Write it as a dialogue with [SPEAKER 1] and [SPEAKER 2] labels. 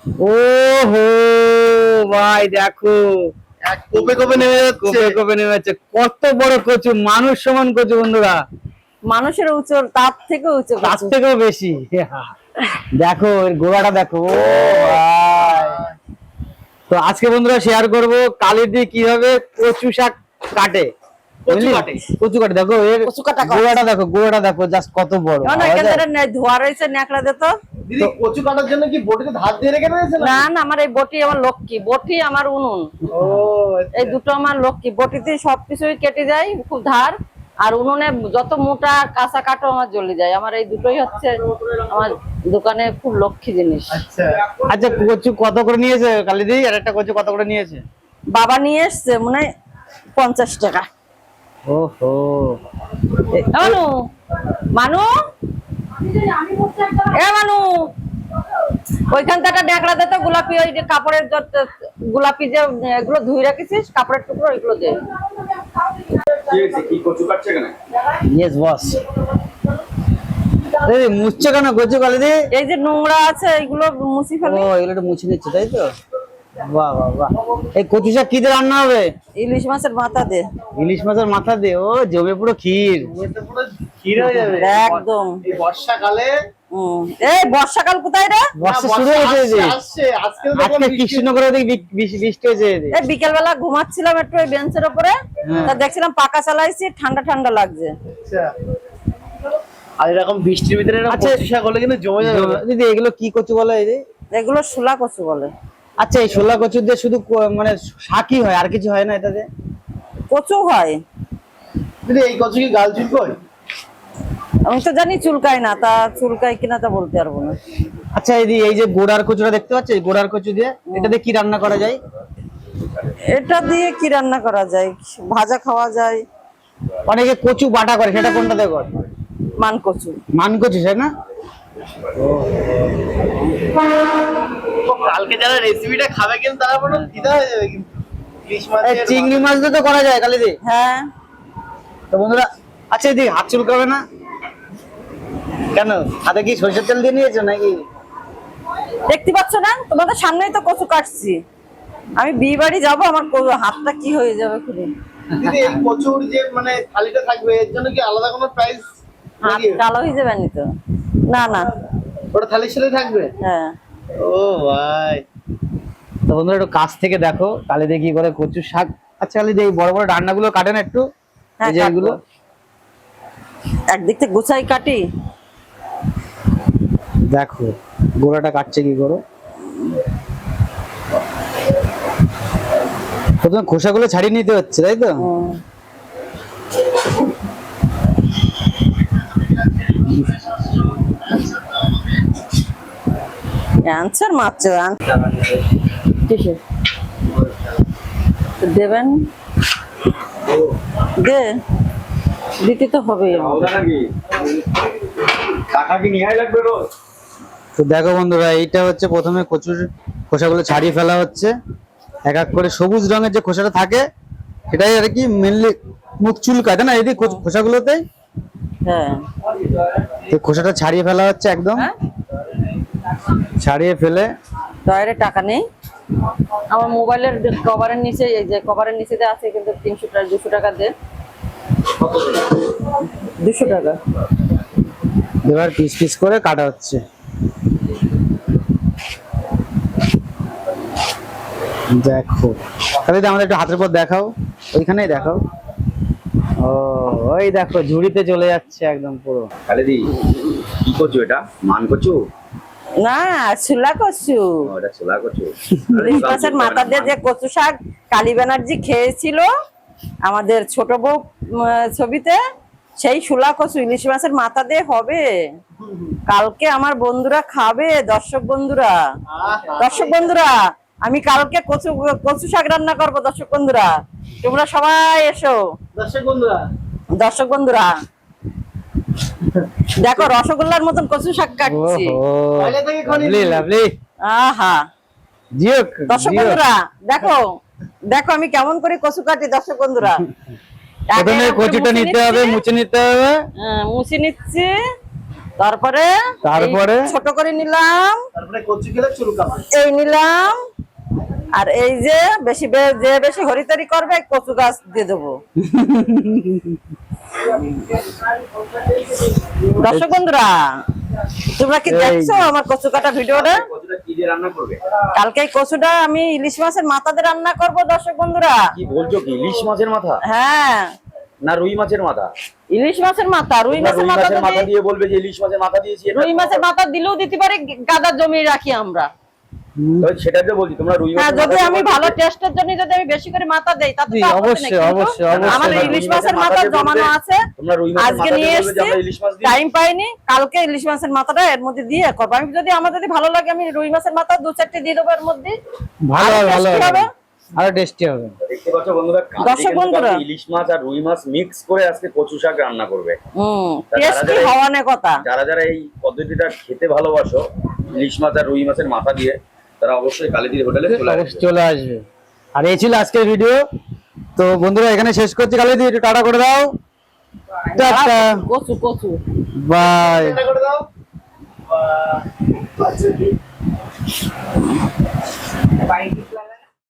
[SPEAKER 1] ওহো ভাই দেখো,
[SPEAKER 2] এক কোপে কোপে নেমে যাচ্ছে।
[SPEAKER 1] কোপে কোপে নেমে যাচ্ছে। কত বড় কচু, মানুষ সমান কচু বন্ধুরা,
[SPEAKER 3] মানুষের উঁচু, তার থেকে উঁচু
[SPEAKER 1] তার
[SPEAKER 3] কচু।
[SPEAKER 1] থেকেও বেশি। দেখো এর গোড়াটা দেখো। ও ভাই, তো আজকে বন্ধুরা শেয়ার করব কালিদি কিভাবে কচু শাক কাটে।
[SPEAKER 2] কচু কাটে।
[SPEAKER 1] কচু কাটে, দেখো এর
[SPEAKER 3] কচু কাটা কর।
[SPEAKER 1] গোড়াটা দেখো, গোড়াটা দেখো জাস্ট কত বড়।
[SPEAKER 3] না এখানে ধোয়া রয়েছে, ন্যাকড়া দে তো।
[SPEAKER 2] দিদি কচু কাটার জন্য কি বটিতে ধার দিয়ে রেখে দিয়েছে
[SPEAKER 3] না না, আমার এই বটি আমার লক্ষ্মী, বটি আমার উনুন।
[SPEAKER 2] ও
[SPEAKER 3] এই দুটো আমার লক্ষ্মী, বটিতে সবকিছুই কেটে যায় খুব ধার, আর উনুনে যত মোটা কাঁচা কাটো আমার জ্বলে যায়। আমার এই দুটোই হচ্ছে আমার দোকানে খুব লক্ষ্মী জিনিস।
[SPEAKER 2] আচ্ছা
[SPEAKER 1] আচ্ছা কচু কত করে নিয়েছে কালিদি? আর একটা কচু কত করে নিয়েছে?
[SPEAKER 3] বাবা নিয়ে এসছে মনে হয় 50 টাকা।
[SPEAKER 1] ওহো,
[SPEAKER 3] মানু মানু মানু ওইখান থেকে ন্যাকড়া দে তো, গোলাপি ওই যে কাপড়ের গোলাপি যে এগুলো ধুই রাখিস কাপড়ের টুকরো, এগুলো দে।
[SPEAKER 2] কি কচু কাটছে কেন?
[SPEAKER 1] Yes boss. এই মুছছে কেন কচু কালিদি?
[SPEAKER 3] এই যে নোংরা আছে এইগুলো মুছি
[SPEAKER 1] ও
[SPEAKER 3] ফেলি।
[SPEAKER 1] এগুলো একটু মুছে নিচ্ছে তাই তো? বাহ বাহ বাহ। এই কচু শাক কি দিয়ে রান্না হবে?
[SPEAKER 3] ইলিশ মাছের মাথা দে।
[SPEAKER 1] ইলিশ মাছের মাথা দিয়ে, ও জমে পুরো ক্ষীর।
[SPEAKER 2] এটা পুরো ক্ষীর হয়ে যাবে
[SPEAKER 3] একদম।
[SPEAKER 2] এই বর্ষাকালে।
[SPEAKER 3] এই বর্ষাকাল কোথায় রে?
[SPEAKER 1] বর্ষা শুরু হয়েছে যে,
[SPEAKER 2] আসছে আজকে তো
[SPEAKER 1] আজকে কৃষ্ণনগরে বৃষ্টি হয়েছে।
[SPEAKER 3] এই বিকেল বেলা ঘুমাচ্ছিলাম একটু ওই বেঞ্চের উপরে, তা দেখছিলাম পাকা চালাইছি, ঠান্ডা ঠান্ডা লাগছে।
[SPEAKER 2] আচ্ছা আর এরকম বৃষ্টির ভিতরে এরকম
[SPEAKER 1] আচ্ছা,
[SPEAKER 2] কচু শাক হলে কিন্তু জমে যাবে।
[SPEAKER 1] দিদি এগুলো কি কচু বলে এই যে?
[SPEAKER 3] এগুলো শোলা কচু বলে।
[SPEAKER 1] আচ্ছা এই শোলা কচু দিয়ে শুধু মানে শাকই হয়, আর কিছু হয় না এটাতে?
[SPEAKER 3] কচু হয়।
[SPEAKER 2] দিদি এই কচু কি গাল চুলকোয়?
[SPEAKER 3] আমি তো জানি চুলকায় না, তা চুলকায় কিনা তা বলতে পারবো না।
[SPEAKER 1] আচ্ছা এই যে গোড়ার কচুটা দেখতে পাচ্ছ, এই গোড়ার কচু দিয়ে এটা দিয়ে কি রান্না করা যায়?
[SPEAKER 3] এটা দিয়ে কি রান্না করা যায়? ভাজা খাওয়া যায়।
[SPEAKER 1] অনেকে কচু বাটা করে, সেটা কোনটা দিয়ে করে?
[SPEAKER 3] মান কচু।
[SPEAKER 1] মান কচু তাই না?
[SPEAKER 2] কালকে যারা রেসিপিটা খাবে কিন্তু তারা পুরো ফিদা হয়ে যাবে কিন্তু। ইলিশ
[SPEAKER 1] এই
[SPEAKER 2] মাছের
[SPEAKER 1] চিংড়ি মাছ দিয়ে তো করা যায় কালিদি।
[SPEAKER 3] হ্যাঁ
[SPEAKER 1] তো বন্ধুরা, আচ্ছা এদিকে হাত চুলকাবে না কেন? হাতে কি সরষের তেল দিয়ে নিয়েছো নাকি?
[SPEAKER 3] দেখতে পাচ্ছ না, তোমাদের সামনেই তো কচু কাটছি। আমি বিয়ে বাড়ি যাবো, আমার হাতটা কি হয়ে যাবে খুলে।
[SPEAKER 2] দিদি এই কচুর যে মানে থালিটা থাকবে এর জন্য কি আলাদা কোনো প্রাইস?
[SPEAKER 3] হাত কালো হয়ে যাবে নি তো? না না।
[SPEAKER 2] ওটা থালির সাথে থাকবে?
[SPEAKER 3] হ্যাঁ।
[SPEAKER 2] ও ভাই,
[SPEAKER 1] তো বন্ধুরা একটু কাছ থেকে দেখো কালিদি কি করে কচু শাক। আচ্ছা কালিদি এই বড় বড় ডান্ডাগুলো কাটে না একটু?
[SPEAKER 3] হ্যাঁ
[SPEAKER 1] এই যে এগুলো
[SPEAKER 3] একদিক থেকে গুছাই কাটি।
[SPEAKER 1] দেখো গোড়াটা কাটছে কি করে। প্রথমে খোসাগুলো ছাড়িয়ে নিতে হচ্ছে তাই তো?
[SPEAKER 3] অ্যান্সার মাছ দেবেন, দে দিতে তো হবে।
[SPEAKER 1] তো দেখো বন্ধুরা, এইটা হচ্ছে প্রথমে কচুর খোসাগুলো ছাড়িয়ে ফেলা হচ্ছে। এক এক করে সবুজ রঙের যে খোসাটা থাকে সেটাই আর কি মেনলি মুখ চুলকায়, তাই না? এই খোসাগুলোতে
[SPEAKER 3] হ্যাঁ
[SPEAKER 1] তো খোসাটা ছাড়িয়ে ফেলা হচ্ছে একদম। ছাড়িয়ে ফেলে
[SPEAKER 3] দয়ারে টাকা নেই আমার মোবাইলের কভারের নিচে, এই যে কভারের নিচে যে আছে কিন্তু 300 টাকা 200 টাকা দে। 200 টাকা।
[SPEAKER 1] এবার পিস পিস করে কাটা হচ্ছে। দেখো তাহলে আমাদের একটু হাতের পর দেখাও, ওইখানেই দেখাও। ও ওই দেখো ঝুড়িতে চলে যাচ্ছে একদম পুরো।
[SPEAKER 4] কালিদি কি কচু এটা? মান কচু?
[SPEAKER 3] না ছোলা কচু।
[SPEAKER 4] এটা ছোলা কচু।
[SPEAKER 3] ইলিশ মাছের মাথা দিয়ে যে কচু শাক কালী ব্যানার্জি খেয়েছিল আমাদের ছোট বউ ছবিতে, সেই ছোলা কচু ইলিশ মাছের মাথা দিয়ে হবে। কালকে আমার বন্ধুরা খাবে, দর্শক বন্ধুরা। দর্শক বন্ধুরা আমি কালকে কচু শাক রান্না করবো। দর্শক বন্ধুরা তোমরা সবাই এসো।
[SPEAKER 2] দর্শক বন্ধুরা,
[SPEAKER 3] দর্শক বন্ধুরা দেখো রসগোল্লার মতন কচু শাক কাটছি।
[SPEAKER 2] আগে থেকে
[SPEAKER 1] লাভলি লাভলি।
[SPEAKER 3] আহা
[SPEAKER 1] জিও
[SPEAKER 3] দর্শক বন্ধুরা দেখো, দেখো আমি কেমন করে কচু কাটি। দর্শক বন্ধুরা
[SPEAKER 1] প্রথমে কচুটা নিতে হবে, মুছে নিতে হবে।
[SPEAKER 3] মুছে নিচ্ছি। তারপরে এই ছোট করে নিলাম,
[SPEAKER 2] তারপরে কচু খেলে চুলকাবে।
[SPEAKER 3] এই নিলাম, আর এই যে যে বেশি হরিতরি করবে কচু গাছ দিয়ে দেবো। দর্শক বন্ধুরা, তোমরা কি দেখছো আমার কচু কাটা ভিডিওটা?
[SPEAKER 4] কচুটা কি দিয়ে রান্না করবে?
[SPEAKER 3] কালকে এই কচুটা আমি ইলিশ মাছের মাথা দিয়ে রান্না করব দর্শক বন্ধুরা।
[SPEAKER 4] কি বলছো কি? ইলিশ মাছের মাথা
[SPEAKER 3] হ্যাঁ,
[SPEAKER 4] না রুই মাছের মাথা?
[SPEAKER 3] ইলিশ মাছের মাথা, রুই
[SPEAKER 4] তোমরা
[SPEAKER 3] মাছের
[SPEAKER 4] রুই
[SPEAKER 3] মাথা
[SPEAKER 4] মাছের মাথা
[SPEAKER 3] যদি-
[SPEAKER 4] দিয়ে বলবে যে ইলিশ মাছের মাথা দিয়েছি এটা?
[SPEAKER 3] রুই মাছের মাথা দিলেও দিতে পারি, গাদা জমিয়ে রাখি আমরা।
[SPEAKER 4] তো সেটাকে বলছি, তোমরা রুই
[SPEAKER 3] হ্যাঁ,
[SPEAKER 4] মাছের
[SPEAKER 3] যদি
[SPEAKER 4] মাথা
[SPEAKER 3] আমি
[SPEAKER 4] দিয়ে
[SPEAKER 3] ভালো
[SPEAKER 4] বলবে।
[SPEAKER 3] টেস্টের জন্য যদি আমি বেশি করে মাথা দেই তাতে
[SPEAKER 1] জি,
[SPEAKER 3] তো আপত্তি নেই,
[SPEAKER 1] অবশ্যই,
[SPEAKER 3] কিন্তু
[SPEAKER 1] অবশ্যই, অবশ্যই।
[SPEAKER 3] আমার
[SPEAKER 4] তোমরা
[SPEAKER 3] ইলিশ
[SPEAKER 4] রুই
[SPEAKER 3] মাছের মাথা
[SPEAKER 4] দিয়ে
[SPEAKER 3] জমানো
[SPEAKER 4] বলবে,
[SPEAKER 3] আছে,
[SPEAKER 4] তোমরা রুই মাছের
[SPEAKER 3] আজকে
[SPEAKER 4] মাথা
[SPEAKER 3] নিয়ে
[SPEAKER 4] দিয়ে বলবে যে
[SPEAKER 3] এসেছি,
[SPEAKER 4] আমরা ইলিশ মাছ দিই।
[SPEAKER 3] টাইম পাইনি, কালকে ইলিশ মাছের মাথাটা এর মধ্যে দিয়ে করবো। আমি যদি আমার যদি ভালো লাগে আমি রুই মাছের মাথা 2-4টি দিয়ে দেবো এর মধ্যে,
[SPEAKER 1] ভালো
[SPEAKER 3] আরো
[SPEAKER 1] ভালো
[SPEAKER 3] tasty হবে।
[SPEAKER 1] আরো টেস্টি হবে।
[SPEAKER 4] দেখতে পাচ্ছ বন্ধুরা,
[SPEAKER 3] দর্শক বন্ধুরা।
[SPEAKER 4] ইলিশ মাছ আর রুই মাছ মিক্স করে আজকে কচু শাক রান্না করবে। তা
[SPEAKER 3] টেস্টি
[SPEAKER 4] যারা-
[SPEAKER 3] হওয়ার কথা।
[SPEAKER 4] যারা এই পদ্ধতিটা খেতে ভালোবাসো ইলিশ মাছ আর রুই মাছের মাথা দিয়ে, তারা অবশ্যই কালীদির হোটেলে চলে আসবে।
[SPEAKER 1] অবশ্যই চলে আসবে। আর এই ছিল আজকের ভিডিও। তো বন্ধুরা এখানে শেষ করছি, কালে দিয়ে একটু টাটা করে দাও, টাটা,
[SPEAKER 3] কচু কচু
[SPEAKER 1] বাই।
[SPEAKER 2] এটা করে দাও। বাহ।